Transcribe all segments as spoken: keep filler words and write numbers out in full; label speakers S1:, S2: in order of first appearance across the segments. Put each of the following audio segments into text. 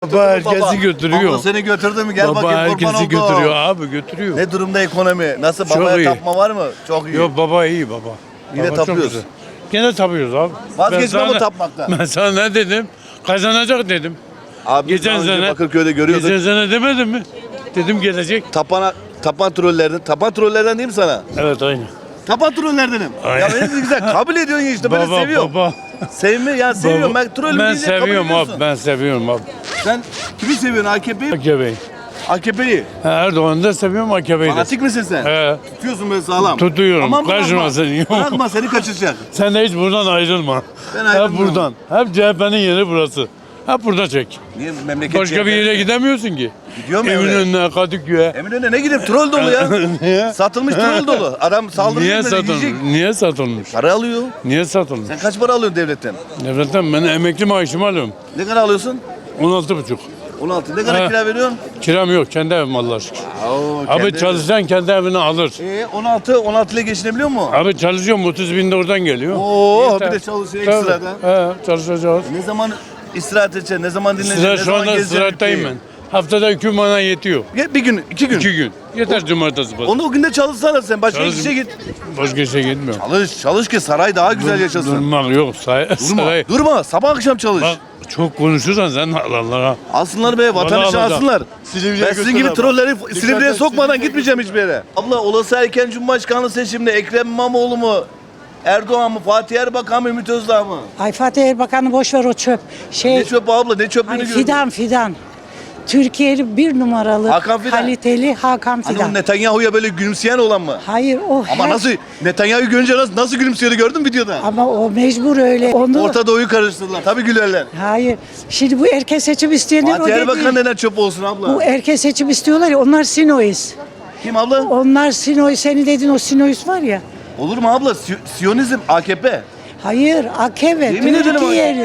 S1: Baba herkesi
S2: Baba.
S1: götürüyor.
S2: Baba seni götürdü mü? Gel
S1: Baba
S2: bakayım kurban
S1: herkesi
S2: oldu.
S1: götürüyor abi götürüyor.
S2: Ne durumda ekonomi? Nasıl?
S1: Çok
S2: Babaya
S1: iyi.
S2: tapma var mı? Çok iyi.
S1: Yok baba iyi baba.
S2: Yine
S1: Baba çok
S2: tapıyoruz.
S1: güzel. Gene tapıyoruz abi.
S2: Vazgeçme
S1: Ben
S2: bu
S1: sana-
S2: tapmaktan.
S1: Ben sana ne dedim? Kazanacak dedim.
S2: Abi
S1: Geçen
S2: daha önce
S1: sene-
S2: Bakırköy'de görüyorduk.
S1: Geçen sene demedim mi? Dedim gelecek.
S2: Tapana, tapan trollerden. Tapan trollerden değil mi sana?
S1: Evet aynı.
S2: Tapan trollerdenim.
S1: Aynen.
S2: Ya beni güzel kabul ediyorsun ya işte. Ben
S1: Baba
S2: seviyorum.
S1: baba.
S2: Sevme ya seviyorum. Ben trollüm
S1: Ben
S2: deyince kabul
S1: seviyorum
S2: ediyorsun.
S1: abi. Ben seviyorum abi.
S2: Sen kimi seviyorsun? A K P'yi?
S1: A K P'yi.
S2: A K P'yi.
S1: Erdoğan'ı da seviyorum A K P'yi de.
S2: Fanatik misin sen?
S1: He.
S2: Tutuyorsun böyle sağlam.
S1: Tutuyorum.
S2: Aman bırakma.
S1: Kaçma seni.
S2: Bırakma seni kaçıracak.
S1: Sen de hiç buradan ayrılma.
S2: Ben
S1: Hep
S2: ayrılmıyorum.
S1: buradan. Hep C H P'nin yeri burası. Hep burada çek.
S2: Niye memleket
S1: Başka bir yere gidemiyorsun ki.
S2: Gidiyor mu öyle?
S1: Eminönü'ne, Kadıköy'e.
S2: Eminönü'ne ne gidip troll dolu ya.
S1: Niye?
S2: Satılmış troll dolu. Adam saldırıyor.
S1: Niye
S2: böyle,
S1: satılmış?
S2: yiyecek.
S1: Niye satılmış?
S2: Para alıyor.
S1: Niye satılmış?
S2: Sen kaç para alıyorsun devletten?
S1: Devletten ben emekli maaşımı alıyorum.
S2: Ne kadar alıyorsun?
S1: on altı buçuk.
S2: on altı. Ne kadar
S1: He.
S2: kira veriyorsun?
S1: Kiram yok. Kendi evim Allah'a şükür.
S2: Oo,
S1: Abi
S2: kendi-
S1: çalışan kendi evini alır.
S2: Ee, on altı, on altı ile geçinebiliyor mu?
S1: Abi çalışıyorum. otuz bin de oradan geliyor.
S2: Oo,
S1: Yeter.
S2: bir de çalışıyor
S1: Tabii.
S2: ekstradan.
S1: He, çalışacağız.
S2: Ne zaman istirahat edeceksin? Ne zaman dinleneceksin?
S1: Sıra
S2: Ne
S1: şu
S2: zaman
S1: anda
S2: gezeceksin?
S1: sırattayım ben. Haftada iki gün bana yetiyor.
S2: Ya bir gün, iki gün.
S1: İki gün. Yeter cumartesi pazar.
S2: Onu o günde çalışsana sen. Başka
S1: Çalış-
S2: işe git.
S1: Başka işe gitmiyorum.
S2: Çalış, çalış ki saray daha güzel yaşasın.
S1: Durmak yok. Say
S2: Durma,
S1: saray.
S2: durma. Sabah akşam çalış.
S1: Bak çok konuşursan sen Allah'a.
S2: Alsınlar be, vatandaşı
S1: alacağım.
S2: alsınlar. Ben sizin gibi trolleri Silivri'ye sokmadan gitmeyeceğim hiçbir yere. Abla olası erken Cumhurbaşkanlığı seçiminde Ekrem İmamoğlu mu? Erdoğan mı? Fatih Erbakan mı? Ümit Özdağ mı?
S3: Ay Fatih Erbakan'ı boş ver o çöp. Şey,
S2: Ne çöp abla? Ne çöplüğünü
S3: ay,
S2: gördün?
S3: fidan fidan. Türkiye'nin bir numaralı
S2: Hakan Fidan.
S3: kaliteli Hakan
S2: Hani o
S3: Fidan.
S2: Netanyahu'ya böyle gülümseyen olan mı?
S3: Hayır o
S2: Ama
S3: her-
S2: nasıl Netanyahu'yu görünce nasıl, nasıl gülümsüyordu gördün mü videoda?
S3: Ama o mecbur öyle. Onu
S2: Orta Doğu'yu karıştırdılar. Tabii gülerler.
S3: hayır. Şimdi bu erken seçim isteyenler o
S2: Fatih Erbakan
S3: dedi.
S2: neden çöp olsun abla?
S3: Bu erken seçim istiyorlar ya onlar Sinois.
S2: Kim abla?
S3: Onlar Sinois. Seni dedin o Sinois var ya.
S2: Olur mu abla? Si- Siyonizm, A K P.
S3: Hayır A K P.
S2: Yemin ederim
S3: Türkiye.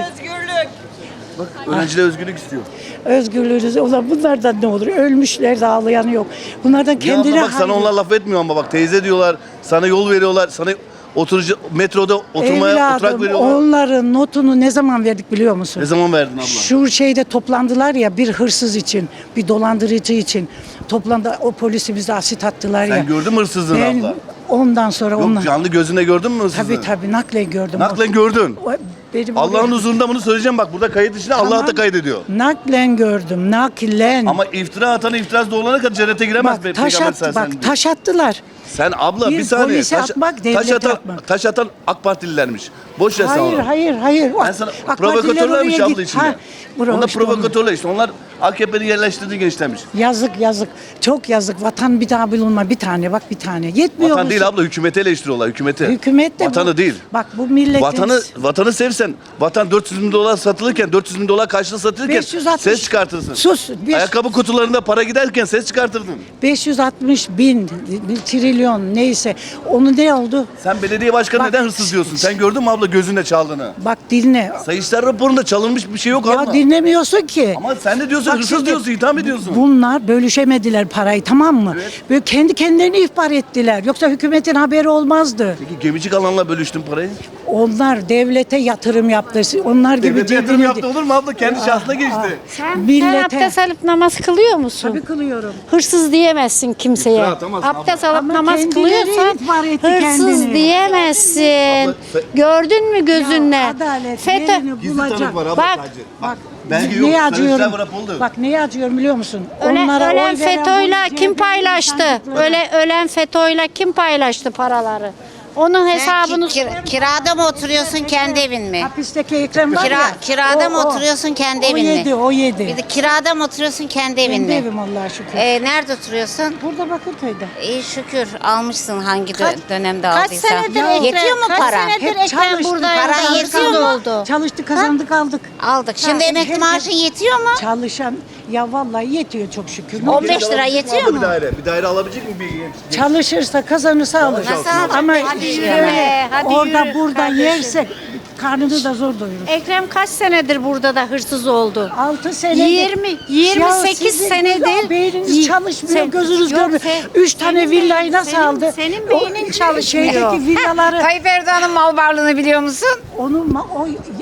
S2: Bak öğrenciler özgürlük istiyor.
S3: Özgürlüğünüz. Ulan bunlardan ne olur? Ölmüşler de ağlayanı yok. Bunlardan
S2: Ya
S3: kendine
S2: abla bak sana
S3: hayır.
S2: onlar laf etmiyor ama bak teyze diyorlar. Sana yol veriyorlar. Sana oturucu metroda oturmaya oturak
S3: Evladım
S2: veriyorlar.
S3: onların notunu ne zaman verdik biliyor musun?
S2: Ne zaman verdin abla?
S3: Şu şeyde toplandılar ya bir hırsız için, bir dolandırıcı için. Toplandı o polisimize asit attılar ya.
S2: Sen gördün mü hırsızlığını
S3: Ben
S2: abla?
S3: ondan sonra
S2: Yok
S3: onlar.
S2: canlı gözünle gördün mü hırsızlığı?
S3: Tabii tabii naklen gördüm.
S2: Naklen gördün.
S3: O- benim
S2: Allah'ın
S3: oraya-
S2: huzurunda bunu söyleyeceğim bak burada kayıt içinde Allah
S3: Tamam.
S2: da kaydediyor.
S3: Naklen gördüm, naklen.
S2: Ama iftira atanı iftirası doğulana kadar cennete giremez.
S3: bak
S2: be,
S3: taş
S2: Peygamber
S3: attı,
S2: sallallahu aleyhi
S3: bak
S2: ve sellem
S3: taş attılar.
S2: Sen abla bir,
S3: Bir
S2: saniye.
S3: polise
S2: Taş,
S3: atmak,
S2: taş
S3: devlete
S2: atan,
S3: atmak.
S2: taş atan AK Partililermiş. Boş ver sen
S3: Hayır,
S2: onu.
S3: hayır, hayır.
S2: Ben sana
S3: AK
S2: provokatörlermiş
S3: Partililer oraya
S2: abla
S3: git-
S2: içinde.
S3: Ha, bravo
S2: Onlar
S3: işte onlar.
S2: provokatörler işte. Onlar A K P'nin yerleştirdiği gençlermiş.
S3: Yazık yazık. Çok yazık. Vatan bir daha bulunma. Bir tane bak bir tane. Yetmiyor
S2: Vatan
S3: musun?
S2: değil abla hükümeti eleştiriyorlar hükümeti.
S3: Hükümet de
S2: Vatanı
S3: bu,
S2: değil.
S3: Bak bu milletin
S2: Vatanı vatanı sevsen, vatan dört yüz bin dolar satılırken, dört yüz bin dolar karşılığı satılırken
S3: beş yüz altmış
S2: ses çıkartırsın.
S3: Sus. beş-
S2: Ayakkabı kutularında para giderken ses çıkartırdın.
S3: beş yüz altmış bin trilyon neyse. Onu ne oldu?
S2: Sen belediye başkanı
S3: Bak-
S2: neden hırsız diyorsun? Sen gördün mü abla gözünle çaldığını?
S3: Bak dinle.
S2: Sayıştay raporunda çalınmış bir şey yok
S3: Ya
S2: abla.
S3: dinlemiyorsun ki.
S2: Ama sen de diyorsun
S3: Bak
S2: hırsız
S3: şimdi
S2: diyorsun, itham ediyorsun.
S3: Bunlar bölüşemediler parayı tamam mı?
S2: Evet.
S3: Böyle kendi kendilerini ihbar ettiler. Yoksa hükümetin haberi olmazdı.
S2: Peki gemicik alanla bölüştün parayı.
S3: Onlar devlete yatırım yaptı. Onlar gibi
S2: Devlet yatırım
S3: cebine-
S2: yaptı olur mu abla? Kendi şahsına geçti.
S4: Sen,
S3: Millete-
S4: sen abdest alıp namaz kılıyor musun?
S3: Tabii kılıyorum.
S4: Hırsız diyemezsin kimseye.
S2: İftira atamazsın
S4: Abdest alıp
S3: Ama
S4: namaz
S3: kendileri
S4: kılıyorsan
S3: ihbar etti
S4: hırsız
S3: kendini.
S4: diyemezsin.
S2: Abla, sen-
S4: Gördün mü gözünle?
S3: Ya adalet
S4: FETÖ.
S3: yerini
S2: Gizli
S3: bulacak.
S2: tanık var abla
S4: Bak,
S2: sadece.
S3: Bak
S2: Belge yok,
S3: neye
S2: Sayıştay
S3: acıyorum?
S2: raporu.
S3: Bak neye acıyorum biliyor musun?
S4: Ölen,
S3: Onlara
S4: ölen
S3: oy veren
S4: FETÖ'yle
S3: bu
S4: kim
S3: C H P'nin
S4: paylaştı?
S3: sandıkları.
S4: Öyle ölen FETÖ'yle kim paylaştı paraları? Onun hesabını
S5: Sen ki- kir- kirada mı oturuyorsun kendi evin mi?
S3: Hapisteki Ekrem var
S5: Kira,
S3: ya.
S5: kirada
S3: o-
S5: mı
S3: o.
S5: oturuyorsun kendi
S3: O
S5: evin mi?
S3: yedi, o yedi.
S5: Bir de kirada mı oturuyorsun kendi evin
S3: Kendi
S5: mi?
S3: evim Allah'a şükür.
S5: Ee, nerede oturuyorsun?
S3: Burada Bakırköy'de.
S5: İyi şükür almışsın hangi dö-
S3: Kaç-
S5: dönemde
S4: kaç
S5: aldıysan.
S4: senedir
S3: Ya,
S5: Yetiyor mu
S4: kaç
S5: para?
S4: senedir
S3: Hep
S4: Ekrem
S3: çalıştık,
S4: burada
S5: para
S4: aldık,
S5: yetiyor mu?
S4: oldu?
S3: Çalıştık, kazandık, aldık.
S5: Aldık. Şimdi
S3: Ha,
S5: emekli
S3: her-
S5: maaşın yetiyor mu?
S3: Çalışan ya vallahi yetiyor çok şükür. Ne
S5: on
S3: olacak?
S5: beş lira yetiyor
S2: Abla
S5: mu?
S2: Bir daire. Bir daire alabilecek mi bir genç?
S3: Çalışırsa kazanırsa alır.
S5: Nasıl alacak?
S3: Ama
S4: Hadi
S3: işte
S4: yürü
S3: öyle
S4: be, hadi
S3: orada
S4: yürü
S3: burada
S4: kardeşim.
S3: yersek karnını da zor doyurur.
S4: Ekrem kaç senedir burada da hırsız oldu?
S3: altı senedir.
S4: yirmi, yirmi sekiz
S3: sizin
S4: senedir-
S3: beyniniz
S4: Yi-
S3: çalışmıyor,
S4: Sen-
S3: gözünüz
S4: Yok,
S3: görmüyor.
S4: sen-
S3: Üç tane
S4: senin
S3: villayı
S4: beyin-
S3: nasıl
S4: senin-
S3: aldı?
S4: senin
S3: O
S4: beynin çalışmıyor.
S3: Şeydeki villaları
S6: Tayyip Erdoğan'ın mal varlığını biliyor musun?
S3: onu ma- o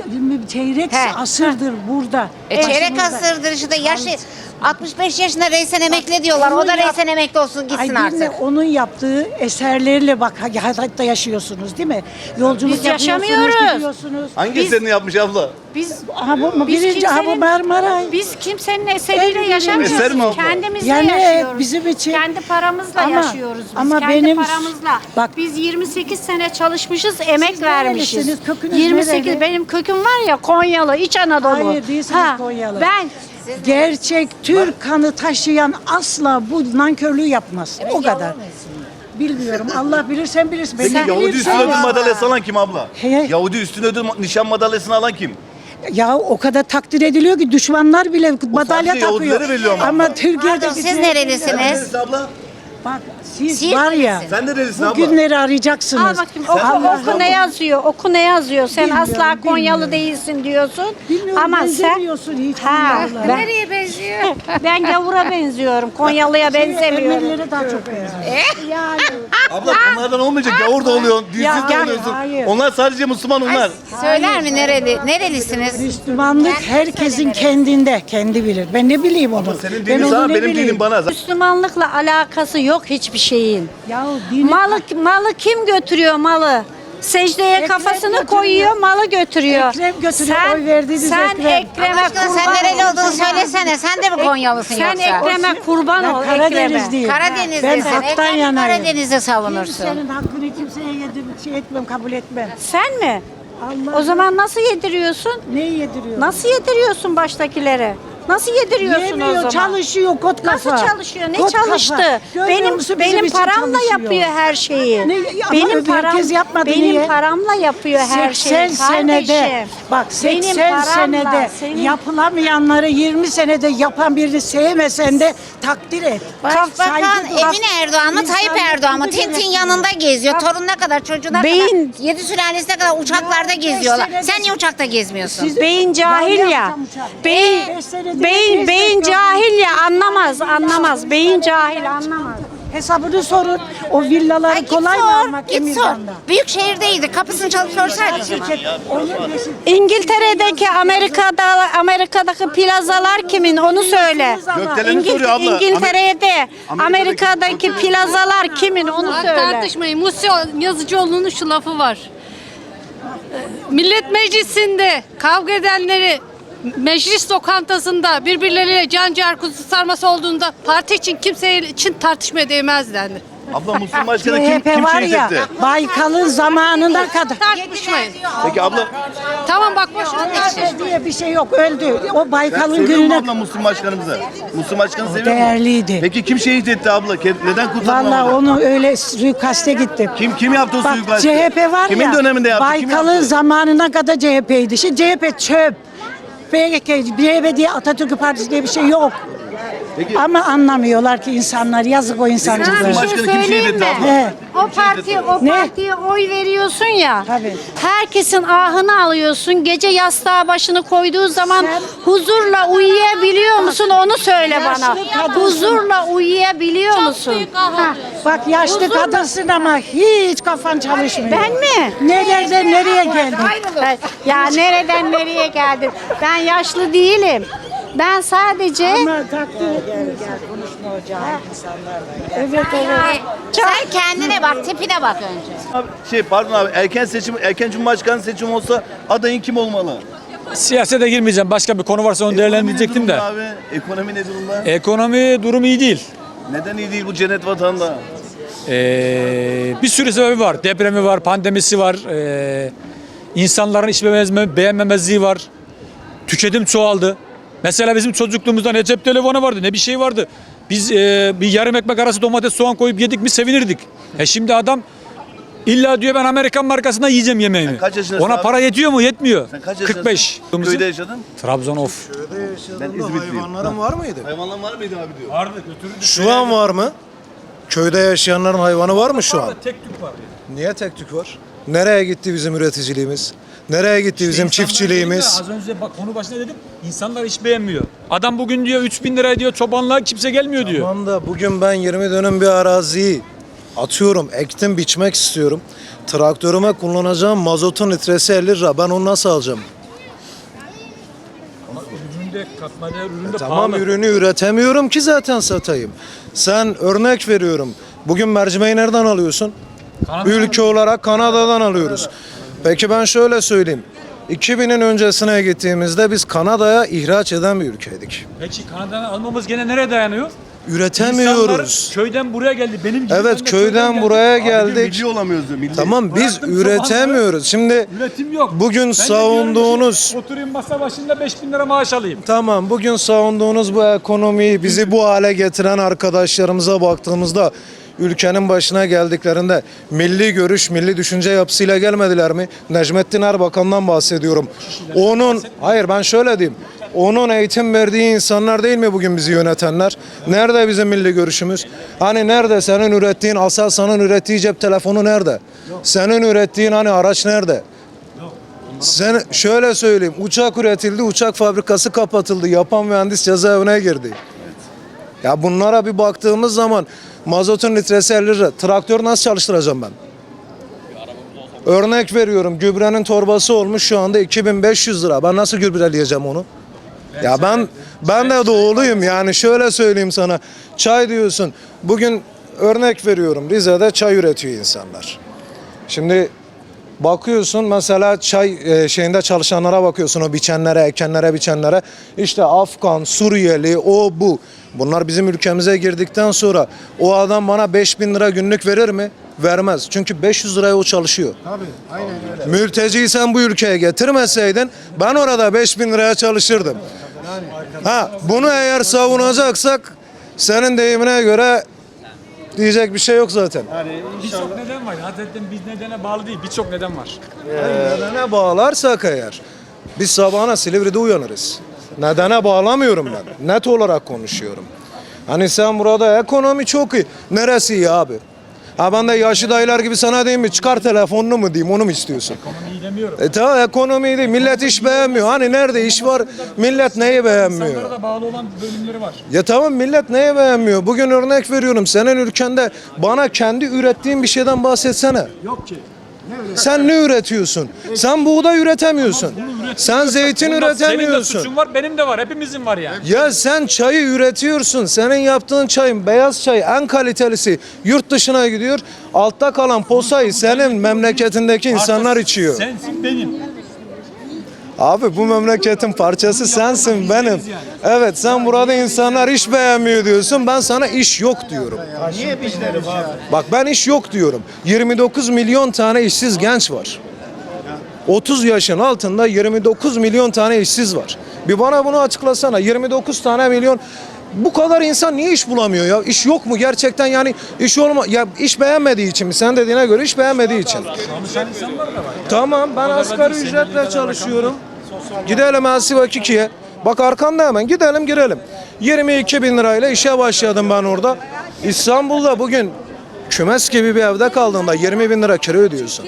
S3: çeyrek
S5: He.
S3: asırdır burada.
S5: E, çeyrek
S3: Başımızda.
S5: asırdır işte yaşı altmış beş yaşında reisen emekli diyorlar. O da
S3: Onun yap-
S5: reisen emekli olsun gitsin
S3: Ay dinle,
S5: artık.
S3: onun yaptığı eserlerle bak hayatta yaşıyorsunuz değil mi? Yolculuk
S4: Biz
S3: yapıyorsunuz,
S4: yaşamıyoruz.
S3: gidiyorsunuz.
S2: Hangi
S4: Biz-
S2: eserini yapmış abla?
S4: Biz
S3: Aha bu
S4: Biz
S3: birinci aha bu
S4: kimsenin-
S3: Marmaray.
S4: Biz kimsenin eseriyle
S3: En
S4: yaşamıyoruz.
S2: Eser mi abla?
S4: Kendimizle
S3: Yani
S4: yaşıyoruz.
S3: bizim için-
S4: Kendi paramızla
S3: Ama-
S4: yaşıyoruz biz.
S3: ama
S4: Kendi
S3: benim-
S4: paramızla.
S3: Bak-
S4: Biz yirmi sekiz sene çalışmışız, emek
S3: Siz
S4: vermişiz.
S3: nerelisiniz? Kökünüz
S4: yirmi sekiz
S3: nereli?
S4: benim köküm var ya Konyalı, İç Anadolu.
S3: Hayır değilsiniz
S4: Ha,
S3: Konyalı.
S4: Ben
S3: Gerçek Türk kanı taşıyan asla bu nankörlüğü yapmaz. o kadar. Bilmiyorum. Allah bilir, sen bilirsin. Ben
S2: Peki
S3: ne
S2: Yahudi
S3: bileyim,
S2: üstün
S3: sen-
S2: ödül madalyası alan kim abla?
S3: He.
S2: Yahudi üstün ödül nişan madalyasını alan kim?
S3: Ya o kadar takdir ediliyor ki düşmanlar bile madalya
S2: sadece
S3: takıyor.
S2: Yahudilere veriliyor ama.
S3: Ama Türkiye'de
S5: Pardon, siz nerelisiniz?
S2: Neresi abla?
S3: Bak siz
S5: Siirt
S3: var ya
S5: neresi?
S2: Sen nerelisin
S3: bu
S2: abla?
S3: günleri arayacaksınız.
S4: al bakayım oku,
S3: Allah-
S4: oku ne yazıyor, oku ne yazıyor. Sen
S3: Bilmiyorum,
S4: asla Konyalı
S3: bilmiyorum.
S4: değilsin diyorsun.
S3: Bilmiyorum,
S4: Ama sen
S3: benzemiyorsun hiç
S4: Ha,
S3: Konyalılara.
S4: ben,
S5: Nereye benziyor?
S4: ben gavura benziyorum. Konyalıya benzemiyorum.
S3: Ermenilere daha çok benziyor. Yani
S2: Abla onlardan olmayacak. Yavur da oluyor, dilsiz
S3: Ya,
S2: de
S3: ya,
S2: oluyorsun.
S3: hayır.
S2: Onlar sadece Müslüman onlar.
S5: Söyler mi nereli? Nerelisiniz?
S3: Müslümanlık herkesin kendinde, kendi bilir. Ben ne bileyim onu.
S2: Senin
S3: Ben
S2: dinin
S3: onu
S2: sana,
S3: ne
S2: benim
S3: bileyim?
S2: dinim bana.
S4: Müslümanlıkla alakası yok hiçbir şeyin.
S3: Ya dini
S4: Malı malı kim götürüyor malı? Secdeye
S3: Ekrem
S4: kafasını
S3: götürüyor.
S4: koyuyor, malı götürüyor.
S3: Ekrem götürüyor, oy verdiğiniz
S4: sen
S3: Ekrem.
S4: Ekrem'e
S5: Aşkına sen
S4: kurban
S5: nereli
S4: ol.
S5: olduğunu söylesene. Sen de mi Konyalısın
S4: Sen
S5: yoksa?
S4: Ekrem'e kurban ol.
S3: Ben
S4: Ekrem'e.
S3: Karadenizliyim.
S5: Karadenizlisin.
S3: Ben haktan
S5: Ekrem'i
S3: yanayım.
S5: Karadeniz'de savunursun.
S3: Kimsenin hakkını kimseye yedim, şey etmem, kabul etmem.
S4: Sen mi?
S3: Allah
S4: O zaman nasıl yediriyorsun?
S3: ne yediriyor?
S4: Nasıl yediriyorsun baştakilere? Nasıl yediriyorsun o
S3: Yemiyor,
S4: zaman?
S3: çalışıyor kot kafa.
S4: Nasıl çalışıyor? Ne
S3: Kot kafa.
S4: çalıştı?
S3: Görmüyor
S4: Benim
S3: musun bizim
S4: benim
S3: için
S4: paramla
S3: çalışıyor.
S4: yapıyor her şeyi.
S3: Ne- ama
S4: benim
S3: öbür
S4: param
S3: herkes yapmadı,
S4: benim
S3: niye?
S4: paramla yapıyor her şeyi.
S3: seksen senede
S4: kardeşim.
S3: bak
S4: Benim
S3: seksen
S4: paramla,
S3: senede
S4: senin-
S3: yapılamayanları yirmi senede yapan birini sevmesen de takdir et.
S5: Başbakan
S3: Saygı duy.
S5: Emine Erdoğan mı Tayyip
S3: İnsanlık
S5: Erdoğan mı?
S3: bunu
S5: Tintin
S3: gerektirir.
S5: yanında geziyor. Torununa kadar çocuğuna
S4: Beyin-
S5: kadar. Yedi sülalesine kadar uçaklarda
S3: Ya, beş
S5: geziyorlar.
S3: senede-
S5: Sen niye uçakta gezmiyorsun?
S3: Siz-
S4: Beyin cahil
S3: Ya ne
S4: ya.
S3: yapacağım uçağı?
S4: Beyin
S3: Beş senede
S4: beyin
S3: beş
S4: beyin
S3: dakika-
S4: cahil ya anlamaz anlamaz. Beyin cahil anlamaz.
S3: Hesabını sorun. O villaları
S5: Ay, git
S3: kolay mı
S5: sor,
S3: almak
S5: git sor.
S3: Emirgan'da?
S5: Büyük şehirdeydi. Kapısını çalıp sorsaydın o zaman.
S3: Onun peşin-
S4: İngiltere'deki Amerika'da Amerika'daki plazalar kimin onu söyle.
S2: Gökdelen'i
S4: İngil-
S2: soruyor abla.
S4: İngiltere'de
S2: Amerika'daki-
S4: Amerika'daki plazalar kimin onu
S6: Bak
S4: söyle.
S6: tartışmayın. Musi Yazıcıoğlu'nun şu lafı var. Millet Meclisi'nde kavga edenleri meclis lokantasında birbirleriyle can ciğer kuzu sarması olduğunda parti için kimse için tartışmaya değmez denir.
S2: Abla Müslüman başkanı kim,
S3: C H P
S2: kim
S3: var
S2: şehit
S3: ya
S2: etti?
S3: Baykal'ın zamanına kadar.
S6: Tartışmayın.
S2: Peki abla
S6: Tamam bak boşuna geçin.
S3: diye bir şey yok, öldü. O Baykal'ın
S2: seviyor mu
S3: gününe
S2: abla Müslüman başkanımızı? Müslüman başkanı seviyor mu?
S3: değerliydi.
S2: Peki kim şehit etti abla? Ke- Neden kurtarılamadı?
S3: Vallahi onu öyle suikaste gittim.
S2: Kim kim yaptı o
S3: Bak
S2: suikastı?
S3: C H P var
S2: Kimin
S3: ya.
S2: döneminde yaptı? Kim
S3: Baykal'ın
S2: yaptı?
S3: zamanına kadar C H P'ydi. Şimdi C H P çöp. B K, C H P diye Atatürk Partisi diye bir şey yok.
S2: Peki
S3: Ama anlamıyorlar ki insanlar. Yazık o
S2: Müslüman
S3: insancıklara.
S2: başkanı kim şehit
S4: söyleyeyim
S2: etti
S4: mi?
S2: abla?
S3: He.
S4: O parti o
S3: Ne?
S4: partiye oy veriyorsun ya.
S3: Tabii.
S4: Herkesin ahını alıyorsun. Gece yastığa başını koyduğu zaman
S3: Sen-
S4: huzurla uyuyabiliyor musun? Onu söyle bana.
S3: Yaşlı kadınsın.
S4: Huzurla uyuyabiliyor musun?
S6: büyük ah
S4: Ha.
S3: Bak yaşlı
S4: Huzurla-
S3: kadınsın ama hiç kafan çalışmıyor.
S4: Ben mi?
S3: Nereden nereye geldin?
S4: Ya nereden nereye geldin? Ben yaşlı değilim. Ben sadece
S3: Ama takdir etmiyorsun. Evet evet.
S5: Sen kendine bak, tipine bak önce.
S2: Abi, şey pardon abi erken seçim erken cumhurbaşkanı seçimi olsa adayın kim olmalı?
S7: Siyasete girmeyeceğim. Başka bir konu varsa onu değerlendirecektim
S2: Ekonomi
S7: de.
S2: ne durumda abi? Ekonomi ne durumda?
S7: Ekonomi durumu iyi değil.
S2: Neden iyi değil bu cennet vatanda?
S7: Ee, bir sürü sebebi var. Depremi var, pandemisi var. Ee, insanların iş beğenmeme- beğenmemezliği var. Tüketim çoğaldı. Mesela bizim çocukluğumuzda ne cep telefonu vardı ne bir şey vardı. Biz e, bir yarım ekmek arası domates soğan koyup yedik mi sevinirdik. E şimdi adam illa diyor ben Amerikan markasından yiyeceğim yemeğimi.
S2: Sen kaç yaşındasın
S7: Ona
S2: abi?
S7: para yetiyor mu? Yetmiyor.
S2: Sen kaç yaşındasın?
S7: kırk beş.
S2: Köyde yaşadın?
S7: Trabzon of.
S2: Ben İzmitliyim.
S8: Hayvanların var mıydı?
S2: Hayvanlar var mıydı abi diyor.
S7: Vardı götürdük.
S8: Şu an var mı? Köyde yaşayanların hayvanı var mı şu an?
S7: Tek tük var.
S8: Niye tek tük var? Nereye gitti bizim üreticiliğimiz? Nereye gitti bizim
S7: İnsanlar
S8: çiftçiliğimiz?
S7: dedim ya, Az önce bak konu başında dedim. İnsanlar iş beğenmiyor. Adam bugün diyor üç bin liraya diyor çobanlığa kimse gelmiyor diyor.
S8: Tamam da bugün ben yirmi dönüm bir araziyi atıyorum, ektim, biçmek istiyorum. Traktörüme kullanacağım mazotun litresi elli lira. Ben onu nasıl alacağım?
S7: de katma değer ürün de
S8: Tamam,
S7: pahalı.
S8: ürünü üretemiyorum ki zaten satayım. Sen örnek veriyorum. Bugün mercimeği nereden alıyorsun?
S7: Kanada'dan
S8: Ülke olarak Kanada'dan alıyoruz. Peki ben şöyle söyleyeyim. iki binin öncesine gittiğimizde biz Kanada'ya ihraç eden bir ülkeydik.
S7: Peki Kanada'dan almamız gene nereye dayanıyor?
S8: Üretemiyoruz.
S7: İnsanlar köyden buraya geldi. Benim gibi
S8: Evet,
S7: ben de
S8: köyden buraya geldik.
S2: Milli olamıyoruz diyor, milli.
S8: Tamam, biz
S7: Bıraktım
S8: üretemiyoruz. Şimdi
S7: Üretim yok.
S8: bugün
S7: Ben de
S8: savunduğunuz
S7: diyorum ki, oturayım masa başında beş bin lira maaş alayım.
S8: Tamam, bugün savunduğunuz bu ekonomiyi, bizi bu hale getiren arkadaşlarımıza baktığımızda ülkenin başına geldiklerinde milli görüş, milli düşünce yapısıyla gelmediler mi? Necmettin Erbakan'dan bahsediyorum. Onun, hayır ben şöyle diyeyim. Onun eğitim verdiği insanlar değil mi bugün bizi yönetenler? Nerede bizim milli görüşümüz? Hani nerede senin ürettiğin, Aselsan'ın ürettiği cep telefonu nerede? Senin ürettiğin hani araç nerede? Sen şöyle söyleyeyim, uçak üretildi, uçak fabrikası kapatıldı, yapan mühendis cezaevine girdi. Ya bunlara bir baktığımız zaman mazotun litresi elli lira, traktör nasıl çalıştıracağım ben? Örnek veriyorum, gübrenin torbası olmuş şu anda iki bin beş yüz lira. Ben nasıl gübreleyeceğim onu? Ya ben ben de doğuluyum, yani şöyle söyleyeyim sana. Çay diyorsun. Bugün örnek veriyorum, Rize'de çay üretiyor insanlar. Şimdi bakıyorsun mesela çay e, şeyinde çalışanlara bakıyorsun, o biçenlere, ekenlere, biçenlere. İşte Afgan, Suriyeli, o bu. Bunlar bizim ülkemize girdikten sonra o adam bana beş bin lira günlük verir mi? Vermez. Çünkü beş yüz liraya o çalışıyor. Tabii, aynen öyle. Mülteciyi sen bu ülkeye getirmeseydin ben orada beş bin liraya çalışırdım. Ha, bunu eğer savunacaksak senin deyimine göre diyecek bir şey yok zaten.
S7: Birçok neden var. Zaten biz nedene bağlı değil. Birçok neden var.
S8: Nedene bağlarsak eğer biz sabahına Silivri'de uyanırız. Nedene bağlamıyorum ben. Net olarak konuşuyorum. Hani sen burada ekonomi çok iyi. Neresi iyi abi? Ha ben de yaşlı dayılar gibi sana diyeyim mi? Çıkar telefonunu mu diyeyim, onu mu istiyorsun?
S7: Ekonomiyi demiyorum.
S8: E tamam, ekonomi değil. Millet iş beğenmiyor. Hani nerede iş var? Millet neyi beğenmiyor?
S7: İnsanlara da bağlı olan bölümleri var.
S8: Ya tamam, millet neye beğenmiyor? Bugün örnek veriyorum, senin ülkende bana kendi ürettiğin bir şeyden bahsetsene.
S7: Yok ki.
S8: Sen ne üretiyorsun? Sen buğday üretemiyorsun. Sen zeytin
S7: Bunda Senin de
S8: üretemiyorsun.
S7: suçun var, benim de var. Hepimizin var yani.
S8: Ya sen çayı üretiyorsun. Senin yaptığın çayın, beyaz çay en kalitelisi yurt dışına gidiyor. Altta kalan posayı senin memleketindeki insanlar içiyor.
S7: Sensin benim.
S8: Abi bu memleketin parçası sensin, benim. Evet, sen burada insanlar iş beğenmiyor diyorsun. Ben sana iş yok diyorum.
S2: Niye bizlerim abi?
S8: Bak ben iş yok diyorum. yirmi dokuz milyon tane işsiz genç var. otuz yaşın altında yirmi dokuz milyon tane işsiz var. Bir bana bunu açıklasana. yirmi dokuz tane milyon, bu kadar insan niye iş bulamıyor ya? İş yok mu gerçekten, yani iş olma ya, iş beğenmediği için mi? Sen dediğine göre iş beğenmediği için.
S7: Çalışan insanlar da var.
S8: Tamam, ben asgari ücretle çalışıyorum. Gidelim Elsi Vakiki'ye. Bak arkanda hemen, gidelim girelim. yirmi iki bin lirayla işe başladım ben orada. İstanbul'da bugün kümes gibi bir evde kaldığında yirmi bin lira kira ödüyorsun.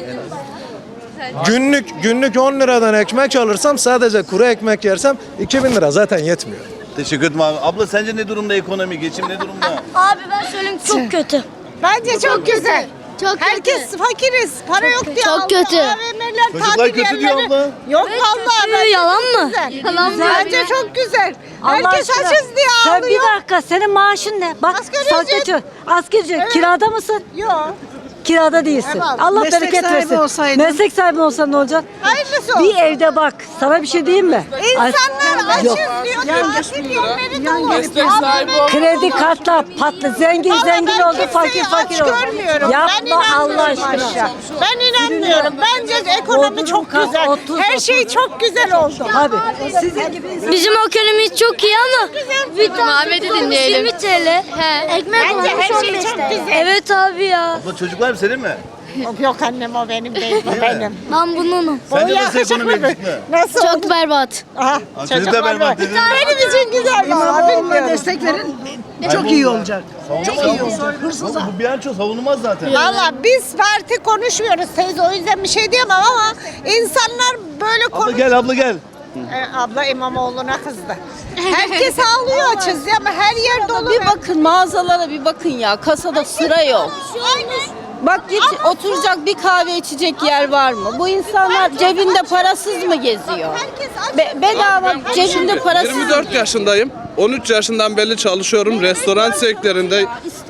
S8: Günlük günlük on liradan ekmek alırsam, sadece kuru ekmek yersem iki bin lira zaten yetmiyor.
S2: Teşekkür ederim abi. Abla sence ne durumda ekonomi, geçim ne durumda?
S9: Abi ben söyleyeyim çok kötü.
S3: Bence çok güzel.
S9: Çok
S3: Herkes fakiriz. Para yok diye.
S9: Çok
S3: aldı.
S9: kötü.
S3: A V M'ler,
S2: Çocuklar
S3: tatil
S2: kötü diyor
S3: yerleri-
S2: abla.
S3: Yok vallahi. bence
S9: Yalan
S3: çok
S9: mı?
S3: güzel.
S9: Yalan mı?
S3: Bence çok güzel.
S10: Allah
S3: Herkes
S10: aşkına.
S3: açız diye
S10: Sen
S3: ağlıyor.
S10: bir dakika, senin maaşın ne? Bak,
S3: Asgari
S10: sadece
S3: ücret.
S10: asgari ücret.
S3: Evet.
S10: Kirada mısın?
S3: Yok.
S10: Kirada değilsin.
S3: Evet.
S10: Allah
S3: Meslek
S10: bereket
S3: sahibi
S10: versin.
S3: olsaydın.
S10: Meslek sahibi olsan ne olacak?
S3: Hayırlısı olsun.
S10: Bir evde bak. Sana bir şey diyeyim mi?
S3: İnsanlar açız
S10: Yok.
S3: diyor. Tatil yerleri dolu.
S10: Kredi kartla patlı. Zengin
S3: Vallahi
S10: zengin
S3: ben
S10: oldu, fakir
S3: kimseyi
S10: fakir
S3: aç
S10: oldu.
S3: görmüyorum. ben
S10: Yapma Allah
S3: inanmıyorum
S10: aşkına.
S3: aşağı. Ben inanmıyorum. Bence ekonomi
S10: Bodrum
S3: çok
S10: kat,
S3: güzel.
S10: otuz,
S3: Her şey
S10: otuz.
S3: çok güzel oldu.
S10: Tabii. Sizin gibi insan-
S9: Bizim ekonomimiz çok iyi ama bir
S6: Ahmet'i
S9: tane
S6: dinleyelim.
S9: yirmi T L. He. Ekmek
S3: Bence
S9: olmuş
S3: her şey
S9: on beş
S3: çok
S9: T L.
S3: güzel.
S9: Evet abi ya.
S2: Abla çocuklar senin mi?
S3: Yok annem, o benim değil, bu benim.
S9: Ben bununum.
S2: Sence
S3: O
S2: nasıl ekonomi
S3: yakışıklı
S2: yakışıklı?
S3: mı? Nasıl?
S9: Çok berbat.
S3: Aha,
S2: Aa, çocuk da
S3: çocuklar
S2: berbat
S3: var.
S2: dedi.
S3: Benim için güzel valla, bilmiyorum.
S10: destek verin.
S2: Çok iyi olacak. Çok iyi olacak. Bu bilanço savunulmaz zaten.
S3: Valla biz parti konuşmuyoruz teyze, o yüzden bir şey diyemem ama insanlar böyle
S2: Abla
S3: konuş...
S2: gel, abla gel.
S3: Ee, abla İmamoğlu'na kızdı. Herkes ağlıyor açız ya, ama her yer dolu.
S11: Bir bakın mağazalara, bir bakın ya, kasada sıra yok. Bak git oturacak bir kahve içecek yer var mı? Bu insanlar cebinde parasız mı geziyor? Be- bedava cebinde parasız.
S12: yirmi dört yaşındayım. on üç yaşından beri çalışıyorum restoran sektöründe.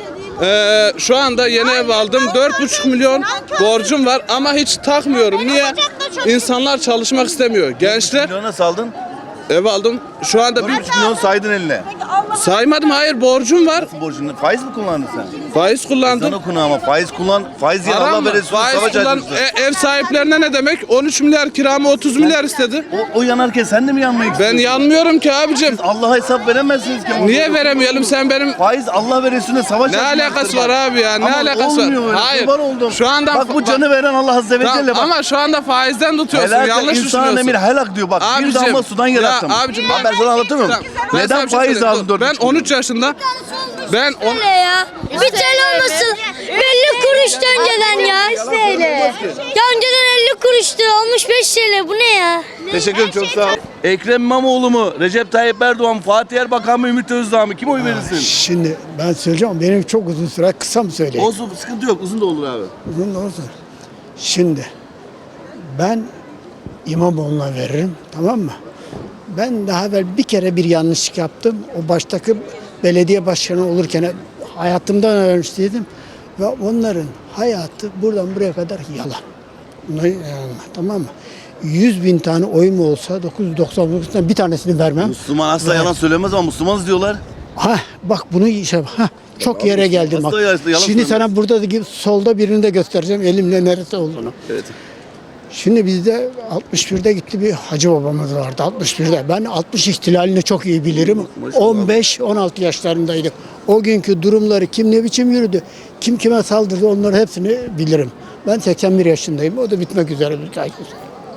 S12: Ee, şu anda yeni ev aldım. dört buçuk milyon borcum var ama hiç takmıyorum. Niye? İnsanlar çalışmak istemiyor. Gençler
S2: Milyona saldın.
S12: ev aldım. Şu anda bir
S2: üç milyon saydın eline.
S12: saymadım. Hayır, borcum var.
S2: Nasıl borcunu? Faiz mi kullandın sen?
S12: Faiz kullandım.
S2: Sana konu ama faiz kullan. Faiz yiyen
S12: Haram
S2: Allah
S12: mı?
S2: ve Resulü
S12: Faiz
S2: savaş
S12: kullan.
S2: açmıştır.
S12: E, ev sahiplerine ne demek? on üç milyar kiramı otuz milyar istedi.
S2: O, o yanarken sen de mi yanmak
S12: Ben
S2: istiyorsun?
S12: yanmıyorum ki abicim.
S2: Allah'a hesap veremezsiniz ki.
S12: Niye veremeyelim? Sen benim
S2: Faiz Allah ve Resulüne savaş
S12: ne
S2: açmıştır
S12: alakası
S2: bak.
S12: var abi ya? Ne
S2: Ama
S12: alakası
S2: olmuyor
S12: var?
S2: öyle,
S12: Hayır.
S2: kurban oldum.
S12: Şu anda
S2: Bak bu canı veren Allah Azze ve
S12: Tamam,
S2: Celle bak.
S12: ama şu anda faizden tutuyorsun.
S2: Helak
S12: Yanlış
S2: insan
S12: düşünüyorsun.
S2: emir helak diyor bak.
S12: Abicim,
S2: bir damla sudan
S12: ya
S2: yarattım.
S12: abicim bak-
S2: ben sana anlatamıyorum.
S12: Tamam, ben sana
S2: Neden
S12: bir şey
S2: faiz
S12: söyleyeyim.
S2: aldın
S12: Dur,
S2: dört
S12: Ben
S2: buçuk
S12: on
S2: milyon?
S12: üç yaşında ben on,
S9: Ne ya? Bir T L olmasın. elli kuruştu önceden ya. beş T L. Ya önceden elli kuruştu. Olmuş beş T L. Bu ne ya?
S2: Teşekkür ederim, çok sağ ol. Ekrem İmamoğlu mu? Recep Tayyip Erdoğan mı? Fatih Erbakan mı? Ümit Özdağ mı? Kim oy verirsin?
S13: Şimdi ben söyleyeceğim, benim çok uzun süre, kısa mı söyleyeyim?
S2: Olsun, sıkıntı yok. Uzun da olur abi.
S13: Uzun da olsun. Şimdi ben İmamoğlu'na veririm, tamam mı? Ben daha evvel bir kere bir yanlışlık yaptım. O baştaki belediye başkanı olurken hayatımdan öğrenmiştim. Ve onların hayatı buradan buraya kadar yalan. Bunları yalanlar, tamam mı? yüz bin tane oyum olsa dokuz yüz doksan dokuzdan bir tanesini vermem.
S2: Müslüman asla
S13: Ver.
S2: yalan söylemez ama Müslümanız diyorlar.
S13: Ha bak bunu işte ha çok
S2: Abi,
S13: yere geldim bak.
S2: asla yalan
S13: Şimdi
S2: söylemez.
S13: sana burada da solda birini de göstereceğim elimle neresi olduğunu.
S2: Evet.
S13: Şimdi bizde altmış birde gitti bir hacı babamız vardı altmış birde. Ben altmış ihtilalini çok iyi bilirim. on beş on altı yaşlarındaydık. O günkü durumları kim ne biçim yürüdü, kim kime saldırdı onları hepsini bilirim. Ben seksen bir yaşındayım. O da bitmek üzere bir takip.